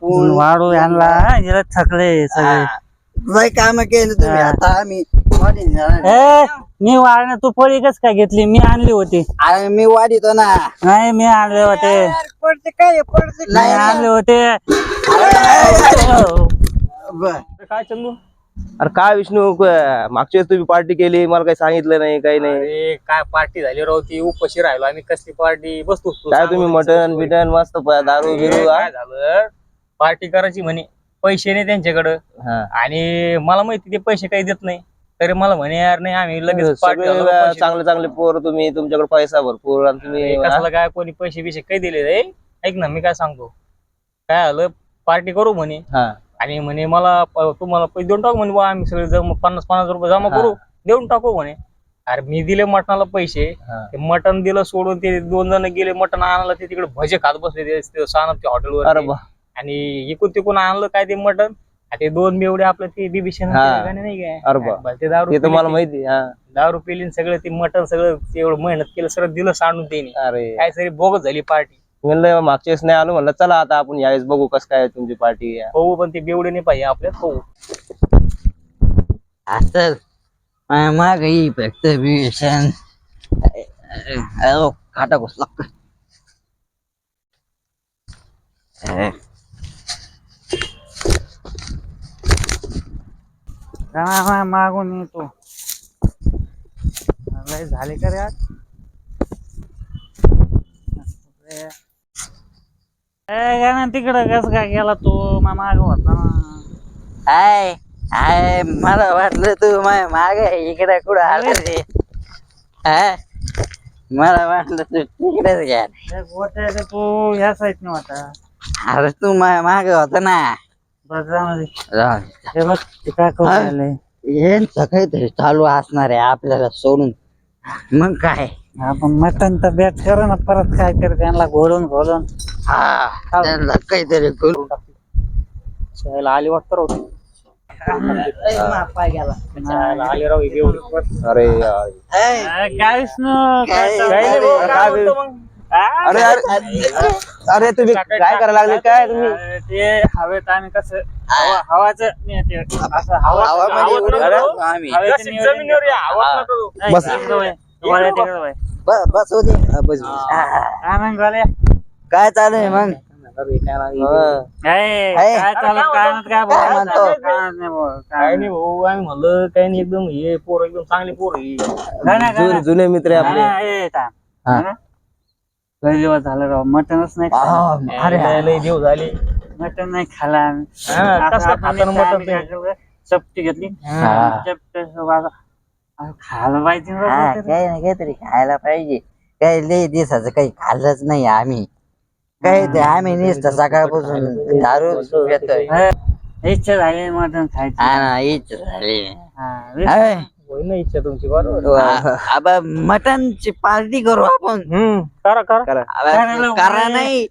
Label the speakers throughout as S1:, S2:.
S1: आपण
S2: वाढू यांना याला थकले सगळे.
S1: लय काम केलं तुम्ही. आता आम्ही
S2: मी वाढणं तू पोळी कस काय घेतली? मी आणली होती.
S1: अरे मी वाढितो ना.
S2: नाही मी आणले होते.
S1: पडते काय पडते
S2: नाही आणले होते.
S3: काय चंदू? अरे काय विष्णू, मागच्या वेळेस तुम्ही पार्टी केली, मला काही सांगितलं नाही, काही नाही.
S4: अरे काय पार्टी झाली राव, ती उपाशी राहिलो आम्ही. कसली पार्टी? बसतो
S3: काय तुम्ही मटन बिटन मस्त दारू बिरू
S4: काय झालं, पार्टी करायची म्हणे, पैसे नाही त्यांच्याकडं. आणि मला माहिती ते पैसे काही देत नाही, तरी मला म्हणे यार नाही आम्ही लगेच पार्टी.
S3: चांगले चांगले पोर तुम्ही, तुमच्याकडे पैसा भरपूर आणि तुम्ही
S4: कसला काय कोणी पैसे बिशे काही दिले रे? ऐक ना, मी काय सांगतो, काय झालं, पार्टी करू म्हणे. आणि म्हणे मला तुम्हाला पैसे देऊन टाकू म्हणे, बा आम्ही सगळे 50-50 रुपये जमा करू, देऊन टाकू म्हणे. अरे मी दिले मटणाला पैसे, ते मटण दिलं सोडून, ते 2 जण गेले मटण आणायला, ते तिकडे भजे खात बसले सानपच्या हॉटेलवर. आणि इकून तिकून आणलं काय ते मटण, ते 2 बेवडे आपलं ते बीबीसी नाही काय ते दारू, तुम्हाला माहिती दारू पिली सगळं, ते मटण सगळं एवढं मेहनत केलं सगळं दिलं सांडून त्यांनी. अरे काय सगळी बोगस झाली पार्टी.
S3: म्हणलं मागच्या वेळेस नाही आलो, म्हणलं चला आता आपण यावेळेस बघू कसं काय तुमची पार्टी.
S4: हो पण ते बेवडे नाही पाहिजे आपल्यात. हो
S1: असं माग फक्त भीषण खाटा घुसला.
S2: मागून येतो. झाले का रे आज? तिकडं कस काय गेला तू? माग होता ना.
S1: हाय मला वाटलं तू माग इकडे कुठं आलं रे. मला वाटलं तू तिकडेच घ्या.
S2: तू ह्या साईड न होता.
S1: अरे तू माग होता ना.
S2: हे बघ काय करू
S1: काहीतरी चालू असणार आहे आपल्याला सोडून. मग काय
S2: आपण मटन तर बेट करू ना, परत काय कर त्यांना घोलून
S1: त्यांना काहीतरी करू.
S4: आली वाटतं राव, आले राव
S3: अरे
S2: काय
S3: अरे अरे तुम्ही काय करायला लागले? काय तुम्ही
S2: ते हवेत आम्ही कसं हवाचं
S1: काय चालू आहे मग?
S4: काय नाही भाऊ, आम्ही म्हणलं काही नाही, एकदम हे पोर एकदम चांगले पोर
S3: जुने मित्र आपले.
S2: दिवस झालं राव, मटनच नाही.
S4: अरे देव झाले,
S2: मटन नाही खाला.
S4: मटन
S2: चपटी घेतली, खायला पाहिजे.
S1: काही नाही काहीतरी खायला पाहिजे. काही लई दिवसाचं काही खाल्लंच नाही आम्ही. काही ते आम्ही नुसतं सकाळपासून दारू घेतोय.
S2: इच्छा झाली मटन खायची.
S1: इच्छा झाली.
S4: इच्छा तुमची बरोबर.
S1: मटनची पार्टी करू आपण.
S4: करा
S1: करा नाही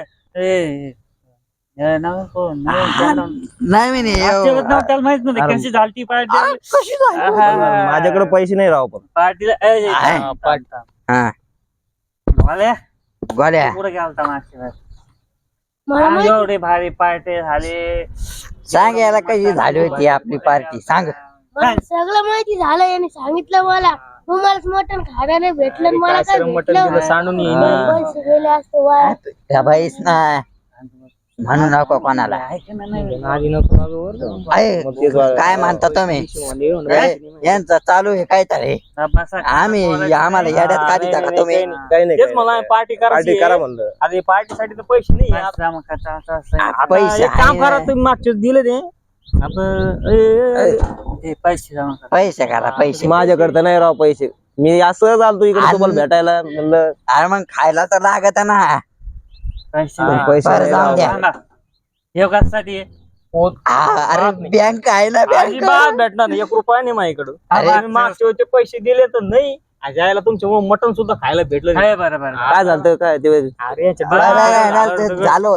S2: त्याला माहित नव्हतं कशी झाली पार्टी.
S3: माझ्याकडे पैसे नाही राव, पण
S2: पार्टीला
S1: गोळ्या
S2: पुढे गेलता मागच्या एवढे भारी पार्टी झाले.
S1: सांग याला कशी झाली होती आपली पार्टी? सांग.
S5: सगळं माहिती झालं, याने सांगितलं मला. तुम्हालाच मटण खायला नाही भेटलं, मला काय भेटलं?
S4: सांडून
S5: पैसे गेले असते वाया.
S1: त्या बाईस ना म्हणू नको कोणाला. काय म्हणता तुम्ही? यांचं चालू आहे काय तरी. आम्ही आम्हाला येड्यात काढता का तुम्ही?
S4: तेच मला पार्टी करा म्हणलं. अरे पार्टीसाठी तर पैसे नाही.
S1: पैसे
S4: काम करा तुम्ही, मागचे दिले ते
S1: पैसे करा. पैसे
S3: माझ्याकडे तर नाही राव पैसे. मी असं आलतो इकडे तुम्हाला भेटायला, म्हणलं
S1: अरे मग खायला तर लागत ना.
S3: पैसे
S1: जाऊ द्या.
S2: योगासाठी
S1: अरे बँक आहे ना, बँक
S4: भेटणार 1 रुपया नाही माझ्याकडं. मागच्या वेळचे पैसे दिले तर नाही, जायला तुमच्या मटण सुद्धा खायला भेटलं.
S2: बरोबर.
S3: काय झालं काय ते?
S4: अरे
S1: झालं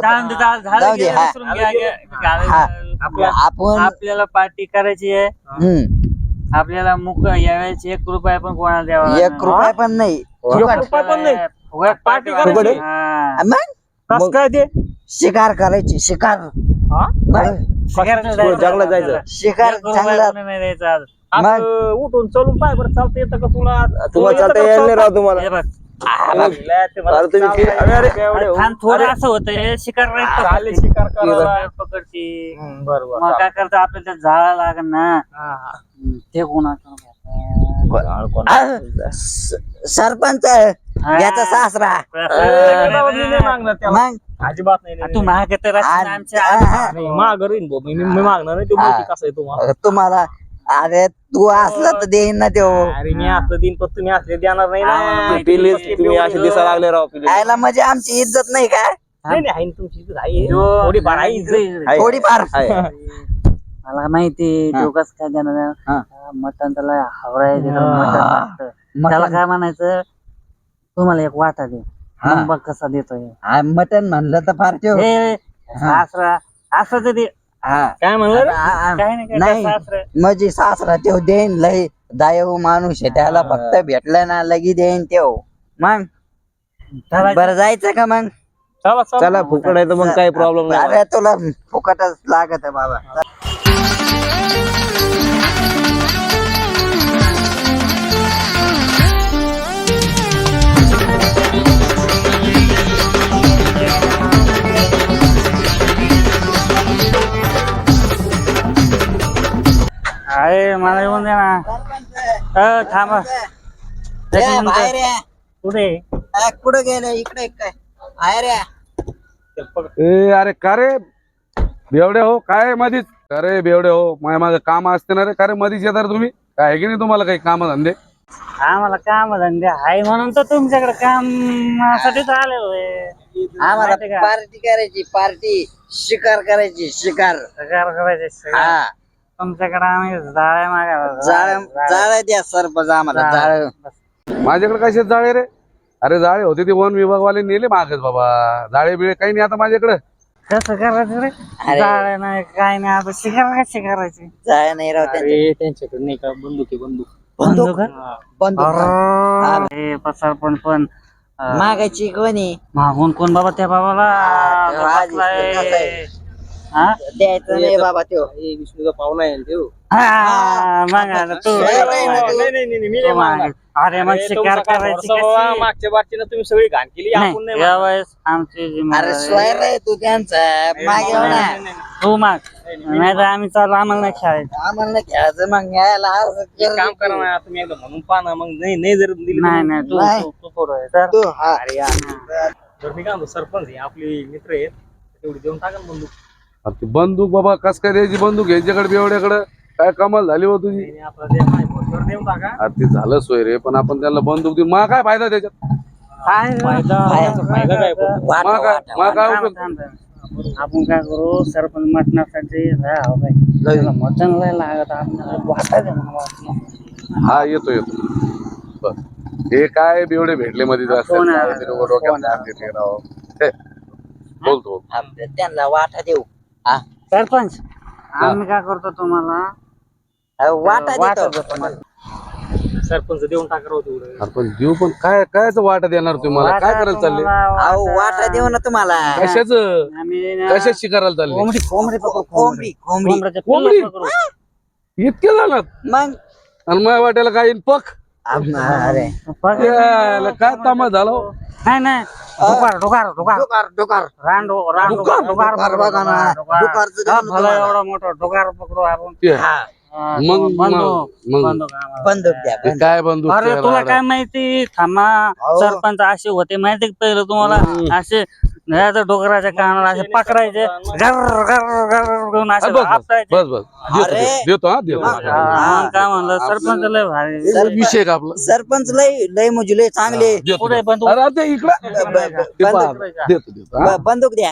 S2: आपण आपल्याला पार्टी करायची आहे. आपल्याला मुक यावेळेस 1 रुपया पण कोणाला द्यावा?
S1: 1 रुपया पण नाही.
S4: रुपया पण नाही. पार्टी करायची.
S1: मग
S4: कस काय ते?
S1: शिकार करायची शिकार
S4: हा?
S3: जंगलात जायचं
S1: शिकार चांगला
S2: नाही द्यायचं आज.
S4: आज उठून चलून पाय बरं चालतं येतं का तुला
S3: तुम्हाला चालता येईल नाही राव तुम्हाला
S2: हे बघ
S3: अरे तुम्ही
S2: थांब, थोडं असं होतंय शिकार
S4: चालेल शिकार करायला
S2: पकडची
S4: बरोबर
S2: मग काय करतं आपल्याला झाडा लागेल ना ते कोणाचं
S1: सरपंच याचा सासरा मग
S4: अजिबात नाही
S2: तू महाग तर आमच्या
S4: माघार येईन भाऊ. मी मागणार नाही तो माहिती कसं आहे तुम्हाला
S1: तुम्हाला अरे तू असला तर देईन ना तो
S4: अरे मी असलं दिन पण तुम्ही असले देणार नाही ना
S3: प्लीज तुम्ही असे दिसायला लागले राव प्लीज
S1: यायला म्हणजे आमची इज्जत नाही का
S4: नाही नाही, आहे ना तुमची इज्जत आहे थोडीफार आहे इज्जत.
S1: थोडीफार
S2: मला माहिती तो कसं काय देणार मटण त्याला हवराय मटण लागतं. त्याला काय म्हणायचं तुम्हाला एक वाटा दे मग बघ कसा देतोय
S1: मटन म्हणलं तर फार ठेव
S2: हे सासरा असं तरी
S4: काय म्हणलं रे?
S2: काय नाही
S1: नाही.
S2: सासरा
S1: म्हणजे सासरा तेव देईन लय दायव माणूस आहे त्याला फक्त भेटलं ना लगी देईन तेव मग बरं जायचं का मग
S4: चला चला
S3: चला फुकट आहे तर मग काही प्रॉब्लेम नाही
S1: अरे तुला फुकटच लागत आहे बाबा
S2: अरे मला येऊन दे ना थांबा एक मिनिट.
S1: बाहेर या.
S2: कुठे
S1: कुठं गेलं इकडे काय बाहेर या.
S6: ए अरे का रे बेवडे हो काय मधीच अरे बेवडे हो माझं काम असते ना रे का रे मधीच येतात तुम्ही काय आहे की नाही तुम्हाला काही काम धंदे
S2: आम्हाला काम धंदे आहे म्हणून तर तुमच्याकडे कामासाठीच आलेलो आहे
S1: आम्हाला
S2: माहिती का?
S1: पार्टी करायची पार्टी शिकार करायची शिकार
S2: सगळं करायचे
S1: हा
S2: तुमच्याकडे आम्ही जाळ्या मागायला
S1: जाळ द्या सरपंच आम्हाला जाळ
S6: माझ्याकडे कशात जाळे रे अरे जाळे होते ते वन विभागवाले नेले मागच बाबा जाळे बिळे काही नाही आता माझ्याकडे
S2: कसं करायचं रे जाळ्या नाही काय नाही आता शिकार कशी करायची
S1: जाळ नाही राव त्यांच्या
S4: अरे त्यांच्याकडे नाही का बंदूक आहे बंदूक
S1: बंदूक बंदूक
S2: हे पसारपण पण
S1: मागायची कोणी
S2: मागून कोण बाबा त्या बाबाला
S1: आधी
S2: बसलाय.
S1: कसं आहे?
S2: हा?
S1: द्यायचं नाही बाबा त्यो
S3: विष्णूचा पाहुणा आहे तो
S2: हा, मग आता तू
S4: नाही, मी नाही मागणार.
S2: अरे मग शिकार करायची
S4: बाबा,
S2: कशी?
S4: मागच्या बारचीनं तुम्ही सगळी घाण केली आपण नाही
S2: नाही, यावेळेस आमची
S1: अरे
S2: जिम्मेदारी.
S1: सोयर आहे तू त्यांचा मागे हो ना
S2: तू माग नाही तर आम्ही चालू आम्हाला नाही खेळायचं
S1: आम्हाला खेळायचं मग यायला असं
S4: एक
S1: केलं
S4: काम करा ना तुम्ही एकदा म्हणून पहा ना मग नाही जर दिली
S2: नाही नाही तू
S1: नाही.
S2: तू- तू पुढं आहे. तर
S1: तू हा
S4: तर मी काय म्हणतो सरपंच आहे आपले मित्र आहेत तेवढी देऊन टाका ना बंदूक
S6: अरे ती बंदूक बाबा कस काय द्यायची बंदूक यांच्याकडे बेवड्याकडे काय कमाल झाली हो तुझी
S4: आणि आपला देव आहे, तर देऊन टाका
S6: अरे ते झालं सोय रे पण आपण त्यांना बंदूक देऊ मा काय फायदा त्याच्यात
S2: काय
S4: फायदा काय पण?
S6: मा काय उपयोग
S2: थांब, थांब. आपण काय करू सरपंच मटणासाठी मटण लय लागत आपल्याला वाटायचं म्हणून वाटलं.
S6: हा येतो बर हे काय बेवडे भेटले मध्ये
S2: कोण आहे?
S6: बोलतो
S1: त्यांना वाटा देऊ
S2: सरपंच आम्ही काय करतो तुम्हाला
S1: वाटा
S2: वाटा
S1: देतो
S2: देतो तुम्हाला.
S4: सरपंच देऊन टाका राव तेवढं
S6: आपण देऊ पण काय कायच वाटा देणार तुम्हाला काय
S2: वाटा
S6: करायला चालले
S2: तुम्हाला
S1: अहो वाटा देऊ ना तुम्हाला
S6: कशाच
S2: आम्ही ना
S6: कशाच शिकारायला चालले
S2: कोंबडी कोंबडी पकडू
S1: कोंबडी कोंबडी
S2: कोंबड्याच्या
S6: कोंबडी?
S2: पिल्लं पकडू.
S6: इतके जाणार
S1: मग
S6: आणि माझ्या वाट्याला काय येईल पक
S1: अरे
S2: पकड.
S6: याला काय तामा झाला हो?
S2: नाही नाही डोकार डोकार डोकार
S1: डोकार डोकार
S2: रांडो रांडो
S6: डुकार?
S2: डोकार
S1: डुकार
S2: पकडू,
S1: बघा ना.
S2: डुकार.
S1: डुकारचं देऊ
S2: हा,
S1: ना
S2: भलं
S1: तुम्हाला.
S2: एवढं मोठं डोकार पकडू आपण
S6: ते,
S2: हा,
S6: मग-
S2: बंदूक
S6: मग-
S2: बंदूक आम्हाला.
S1: बंदूक द्या
S6: ते
S1: बंदूक.
S6: काय बंदूक
S2: अरे
S6: ते
S2: तुला
S6: राडा.
S2: काय माहिती थांबा
S1: अहो.
S2: सरपंच असे होते माहिती का पहिलं तुम्हाला असे घराच्या डोकराच्या कानाला असे पकडायचे गर गर गर करून असे
S6: बस
S2: आपटायचे.
S6: बस बस देतो,
S1: अरे.
S6: देतो हा देतो
S1: मग-
S2: हा, मग काय म्हणलं सरपंच लय भारी
S1: सर-
S6: विषय का आपला
S1: सरपंच लय लय म्हणजे लय चांगले
S6: देतो,
S2: पुढे
S6: देतो.
S2: बंदूक
S6: अरे आता इकडं ते पहा.
S1: बंदूक
S6: देतो देतो हा.
S1: बंदूक द्या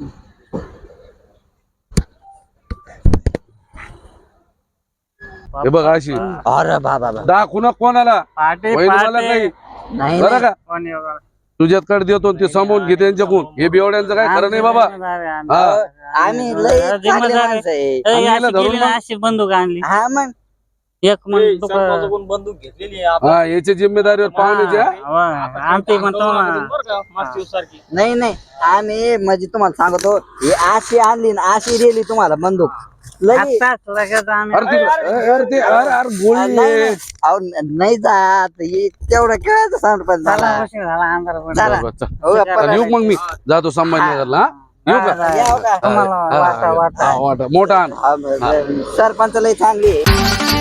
S6: हे बघ अशी
S1: अरे बाबा
S6: दाखवू ना कोणाला
S2: पाटे
S6: होईल मला
S2: पाटे
S6: काही
S1: नाही
S6: बरं का
S2: कोणी वगैरे.
S6: तुझ्याकडे देतो ते सांभाळून घे त्यांच्याकडून हे बेवड्यांचं काय खरं नाही बाबा
S2: जिम्मेदारी आहे आमची.
S6: हा
S1: आम्ही लय चांगले
S2: जिम्मेदारी.
S1: माणसं आहे.
S2: ए,
S6: आम्ही याला
S2: अशी
S6: धरून
S2: केली ना, अशी बंदूक आणली
S1: हा मग
S2: एक म्हणतो
S4: सरपंचाकडून बंदूक घेतलेली आहे आपण.
S6: हा याची जिम्मेदारीवर पाहुण्याची हा?
S2: आमची म्हणतो
S4: बरं का, मागच्या दिवस सारखी
S1: नाही नाही आम्ही म्हणजे तुम्हाला सांगतो ही अशी आणली ना अशी दिली तुम्हाला बंदूक लगी
S2: आताच लगेच आम्ही
S6: अरे अरे गोळी
S1: नाही,
S6: आहे.
S1: नाही. अहो, नाही जात हे तेवढं खेळायचं सरपंच
S2: चला,
S1: झाला
S2: उशीर झाला अंधार पडला.
S1: चला.
S6: बरं, चल.
S1: हो,
S6: चल, येऊ मग मी जातो संभाजीनगरला हा? येऊ का
S1: यावं का?
S2: तुम्हाला वाटा वाटा
S6: हा, वाटा मोठा आण.
S1: सरपंच लय चांगली आहे.